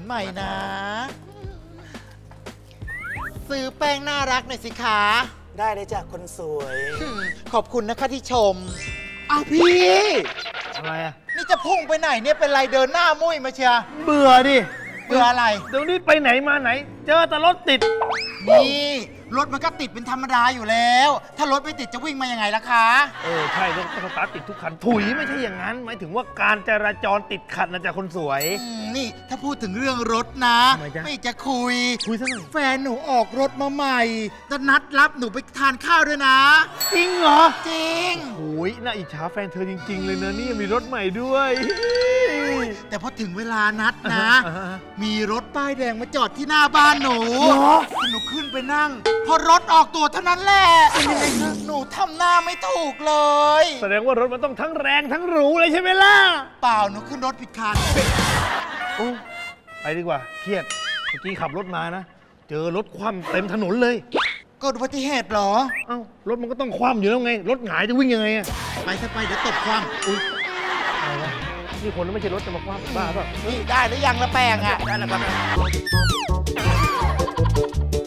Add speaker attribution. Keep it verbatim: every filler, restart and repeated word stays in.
Speaker 1: ใหม่นะซื้อแป้งน่ารักหน่อยสิคะ
Speaker 2: ได้เลยจ้ะคนสวย
Speaker 1: ขอบคุณนะคะที่ชมเอาพี่
Speaker 3: อะไรอ่ะ
Speaker 1: นี่จะพุ่งไปไหนเนี่ยเป็นไรเดินหน้ามุ้ยมาเชีย
Speaker 3: เบื่อดิ
Speaker 1: เบื่ออะไร
Speaker 3: เดี๋ยวนี้ไปไหนมาไหนเจอแต่รถติด
Speaker 1: นี่รถมันก็ติดเป็นธรรมดาอยู่แล้วถ้ารถไม่ติดจะวิ่งมายังไงล่ะคะ
Speaker 3: เออใช่รถสตาร์ทติดทุกคันถุยไม่ใช่อย่างนั้นหมายถึงว่าการจราจรติดขัดนะจ๊ะคนสวย
Speaker 1: นี่ถ้าพูดถึงเรื่องรถนะไม่จะคุย
Speaker 3: คุยซะหน่อย
Speaker 1: แฟนหนูออกรถมาใหม่จะนัดรับหนูไปทานข้าวด้วยนะ
Speaker 3: จริงเหรอ
Speaker 1: จริง
Speaker 3: โอ้ยน่าอิจฉาแฟนเธอจริงๆเลยนะนี่มีรถใหม่ด้วย
Speaker 1: แต่พอถึงเวลานัดนะมีรถป้ายแดงมาจอดที่หน้าบ้านหนูหนูขึ้นไปนั่งพอรถออกตัวเท่านั้นแหละหนูทำหน้าไม่ถูกเลย
Speaker 3: แสดงว่ารถมันต้องทั้งแรงทั้งหรูเลยใช่ไหมล่ะ
Speaker 1: เปล่าหนูขึ้นรถผิดคัน
Speaker 3: โอ้ไปดีกว่าเครียดเมื่อกี้ขับรถมานะเจอรถคว่ำเต็มถนนเลย
Speaker 1: เกิดอุบัติเหตุเหรอ
Speaker 3: เอ้ารถมันก็ต้องคว่ำอยู่แล้วไงรถหงายจะวิ่งยังไงอะ
Speaker 1: ไปซะไปเดี๋ยวตกคว่ำ
Speaker 3: อุ้ยอะไรวะนี่คนไม่ใช่รถจะมาคว่ำบ้าเปล่า
Speaker 1: นี่ได้หรือยังละแป้งอะได้แล้วครับ